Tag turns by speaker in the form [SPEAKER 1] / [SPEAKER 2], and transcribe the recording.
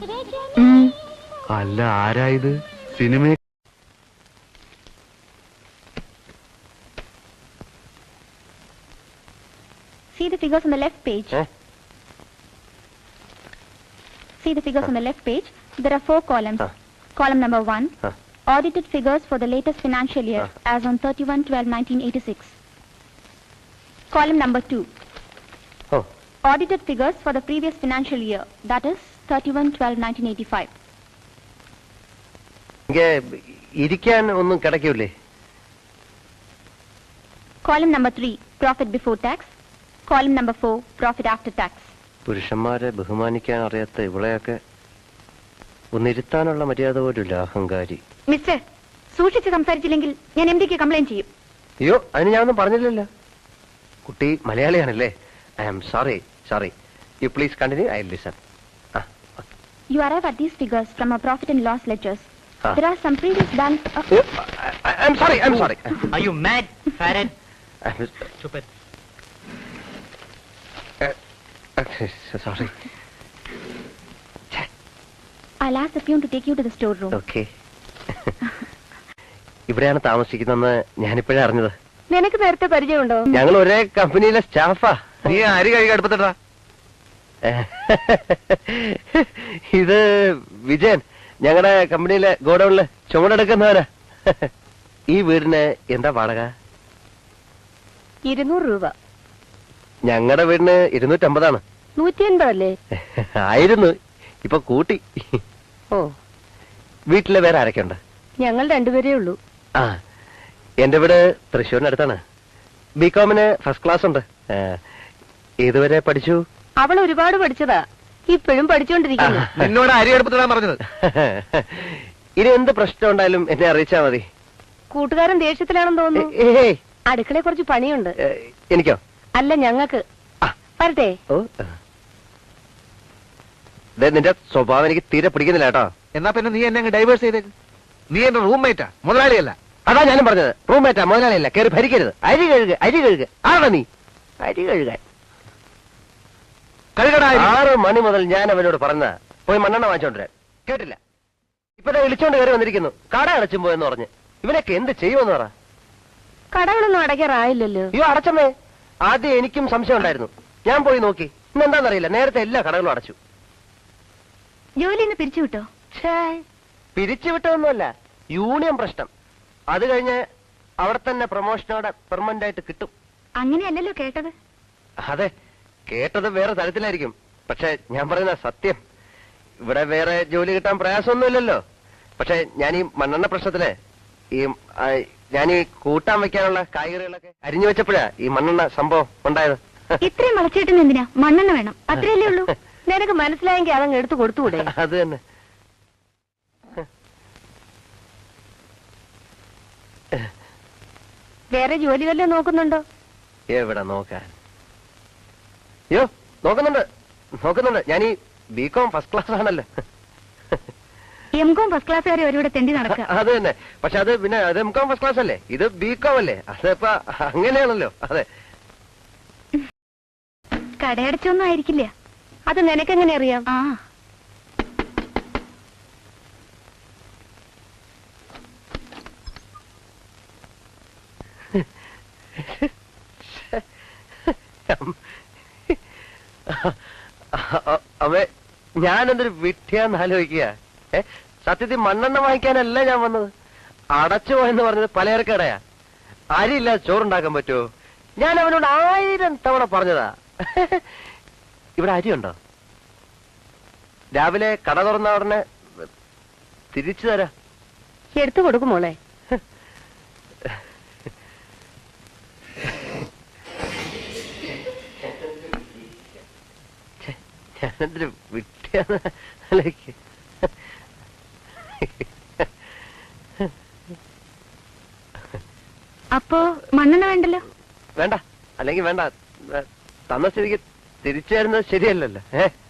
[SPEAKER 1] അല്ല, ആരായത്? Cinema
[SPEAKER 2] See the figures on the left page. See the figures on the left page. There are 4 columns. Column number 1, audited figures for the latest financial year as on 31/12/1986. Column number 2, audited figures for the previous financial year, that is 31/12/1985.
[SPEAKER 3] ഇരിക്കാൻ ഒന്നും കിടക്കൂലേ?
[SPEAKER 2] Column number 3, profit before tax. Column number 4, profit after tax.
[SPEAKER 3] പുരുഷന്മാരെ ബഹുമാനിക്കാൻ അറിയാത്ത ഇവളെയൊക്കെ ഒന്നിരുത്താനുള്ള മര്യാദ പോലുമില്ല, അഹങ്കാരി.
[SPEAKER 2] Mister, സൂക്ഷിച്ച് സംസാരിച്ചില്ലെങ്കിൽ ഞാൻ എംഡിക്ക് കംപ്ലൈന്റ് ചെയ്യും.
[SPEAKER 3] അയ്യോ, അതിന് ഞാനൊന്നും പറഞ്ഞില്ലല്ലോ. കുട്ടി മലയാളിയാണല്ലേ? I am sorry. You please continue, I listen.
[SPEAKER 2] You arrive at these figures from our profit and loss ledgers. There are some previous balance.
[SPEAKER 3] I'm sorry.
[SPEAKER 4] Are you mad, Farad? Stupid.
[SPEAKER 3] Sorry.
[SPEAKER 2] I'll ask the peon to take you to the storeroom.
[SPEAKER 3] Okay. ഇവിടെയാണ് താമസിക്കുന്നതെന്ന് ഞാനിപ്പോഴേ അറിഞ്ഞത്.
[SPEAKER 2] നിനക്ക് നേരത്തെ പരിചയമുണ്ടോ?
[SPEAKER 3] ഞങ്ങൾ ഒരേ കമ്പനിയിലെ സ്റ്റാഫാ.
[SPEAKER 1] നീ അരി കഴുകി അടുപ്പത്തിട്ടാ.
[SPEAKER 3] ഇത് വിജയൻ, ഞങ്ങളുടെ കമ്പനിയിലെ ഗോഡൌണില് ചുമടെടുക്കുന്നവനാ. ഈ വീടിന് എന്താ വാടക?
[SPEAKER 2] 200 രൂപ.
[SPEAKER 3] ഞങ്ങളുടെ വീടിന് 250.
[SPEAKER 2] 180 അല്ലേ?
[SPEAKER 3] ആയിരുന്നു, ഇപ്പൊ കൂട്ടി.
[SPEAKER 2] ഓ,
[SPEAKER 3] വീട്ടില് വേറെ ആരൊക്കെ ഉണ്ട്?
[SPEAKER 2] ഞങ്ങൾ 2 പേരേ ഉള്ളൂ.
[SPEAKER 3] ആ, എന്റെ വീട് തൃശ്ശൂരിനടുത്താണ്. ബികോമിന് ഫസ്റ്റ് ക്ലാസ് ഉണ്ട്. ഏതുവരെ പഠിച്ചു?
[SPEAKER 2] അവൾ ഒരുപാട് പഠിച്ചതാ, ഇപ്പോഴും പഠിച്ചുകൊണ്ടിരിക്കുന്നു.
[SPEAKER 1] നിന്നോട് അരി അടുപ്പത്തിടാൻ പറഞ്ഞത്.
[SPEAKER 3] ഇനി എന്ത് പ്രശ്നം ഉണ്ടായാലും എന്നെ അറിയിച്ചാ മതി.
[SPEAKER 2] കൂട്ടുകാരൻ ദേഷ്യത്തിലാണെന്ന് തോന്നുന്നു.
[SPEAKER 3] ഏയ്,
[SPEAKER 2] അടുക്കളയെ കുറച്ച് പണിയുണ്ട്.
[SPEAKER 3] എനിക്കോ?
[SPEAKER 2] അല്ല, ഞങ്ങൾക്ക്. വരട്ടെ.
[SPEAKER 3] ഓ, നിന്റെ സ്വഭാവം എനിക്ക് തീരെ പിടിക്കുന്നില്ല കേട്ടോ.
[SPEAKER 1] എന്നാ പിന്നെ നീ എന്നെ ഡൈവേഴ്സ് ചെയ്തേക്ക്. നീ എന്റെ റൂംമേറ്റാ, മുതലാളിയല്ല.
[SPEAKER 3] അതാ ഞാനും പറഞ്ഞത്, റൂംമേറ്റാ, മുതലാളിയല്ല. കയറി ഭരിക്കരുത്. അരി കഴുകുക. ആരാ നീ? അരി കഴുകാൻ 6 മണി മുതൽ ഞാൻ അവനോട് പറഞ്ഞ പോയി മണ്ണെണ്ണ വാങ്ങിച്ചോണ്ടിരാൻ. കേട്ടില്ല. ഇപ്പഴേ വിളിച്ചോണ്ട് കയറി വന്നിരിക്കുന്നു. കട അടച്ചും പോയെന്ന് പറഞ്ഞ്. ഇവനൊക്കെ എന്ത് ചെയ്യുമെന്ന് പറ.
[SPEAKER 2] കടകളൊന്നും അടയ്ക്കാറായില്ലല്ലോ.
[SPEAKER 3] അയ്യോ, അടച്ചമ്മേ. ആദ്യം എനിക്കും സംശയം ഉണ്ടായിരുന്നു. ഞാൻ പോയി നോക്കി. ഇന്നെന്താന്നറിയില്ല, നേരത്തെ എല്ലാ കടകളും അടച്ചു.
[SPEAKER 2] ജോലിന്ന് പിരിച്ചുവിട്ടോ?
[SPEAKER 3] പിരിച്ചുവിട്ടതൊന്നുമല്ല, യൂണിയൻ പ്രശ്നം. അത് കഴിഞ്ഞ് അവിടെ തന്നെ പ്രൊമോഷനോടെ പെർമനന്റ് ആയിട്ട് കിട്ടും.
[SPEAKER 2] അങ്ങനെയല്ലല്ലോ കേട്ടത്.
[SPEAKER 3] അതെ, കേട്ടത് വേറെ തരത്തിലായിരിക്കും. പക്ഷെ ഞാൻ പറയുന്ന സത്യം. ഇവിടെ വേറെ ജോലി കിട്ടാൻ പ്രയാസമൊന്നുമില്ലല്ലോ. പക്ഷെ ഞാൻ ഈ മണ്ണെണ്ണ പ്രശ്നത്തില് ഞാൻ ഈ കൂട്ടാൻ വെക്കാനുള്ള കായ്കറികളൊക്കെ അരിഞ്ഞു വെച്ചപ്പോഴാ ഈ മണ്ണെണ്ണ സംഭവം ഉണ്ടായത്.
[SPEAKER 2] ഇത്രയും വളച്ചിട്ടും എന്തിനാ? മണ്ണെണ്ണ വേണം, അത്രയല്ലേ ഉള്ളൂ. നിനക്ക് മനസ്സിലായെങ്കിൽ അതങ്ങ് എടുത്തു കൊടുത്തുകൂടെ?
[SPEAKER 3] അത് തന്നെ.
[SPEAKER 2] വേറെ ജോലി വല്ലതും നോക്കുന്നുണ്ടോ?
[SPEAKER 3] എവിടെ നോക്കാൻ? അയ്യോ, നോക്കുന്നുണ്ട്. ഞാൻ ഈ ബികോം ഫസ്റ്റ് ക്ലാസ് ആണല്ലോ.
[SPEAKER 2] എംകോം ഫസ്റ്റ് ക്ലാസ്സുകാരെ ഒരുവിടെ തെണ്ടി നടക്കുക.
[SPEAKER 3] അത് തന്നെ. പക്ഷെ അത് പിന്നെ അത് എംകോം ഫസ്റ്റ് ക്ലാസ് അല്ലേ, ഇത് ബികോം അല്ലേ. അതിപ്പോ അങ്ങനെയാണല്ലോ. അതെ.
[SPEAKER 2] കടയടച്ചൊന്നും ആയിരിക്കില്ല. അത് നിനക്കെങ്ങനെ അറിയാം? ആ,
[SPEAKER 3] അവ ഞാനെന്തൊരു വിഡ്ഢിയാന്ന് ആലോചിക്കുക. സത്യത്തിൽ മണ്ണെണ്ണ വാങ്ങിക്കാനല്ല ഞാൻ വന്നത്. അടച്ചു പോയെന്ന് പറഞ്ഞത് പലചരക്കടയാ. അരിയില്ലാതെ ചോറുണ്ടാക്കാൻ പറ്റുമോ? ഞാൻ അവനോട് 1000 തവണ പറഞ്ഞതാ. ഇവിടെ അരിയുണ്ടോ? രാവിലെ കട തുറന്ന ഉടനെ തിരിച്ചു തരാം.
[SPEAKER 2] എടുത്തു കൊടുക്കും മോളെ.
[SPEAKER 3] ഞാനെന്തൊരു വിട്ടിയാന്ന് ആലോചിക്കുക.
[SPEAKER 2] അപ്പോ മണ്ണെണ്ണ വേണ്ടല്ലോ?
[SPEAKER 3] വേണ്ട, അല്ലെങ്കിൽ വേണ്ട. തന്ന സ്ഥിതിക്ക് തിരിച്ചു തരുന്നത് ശരിയല്ലല്ലോ.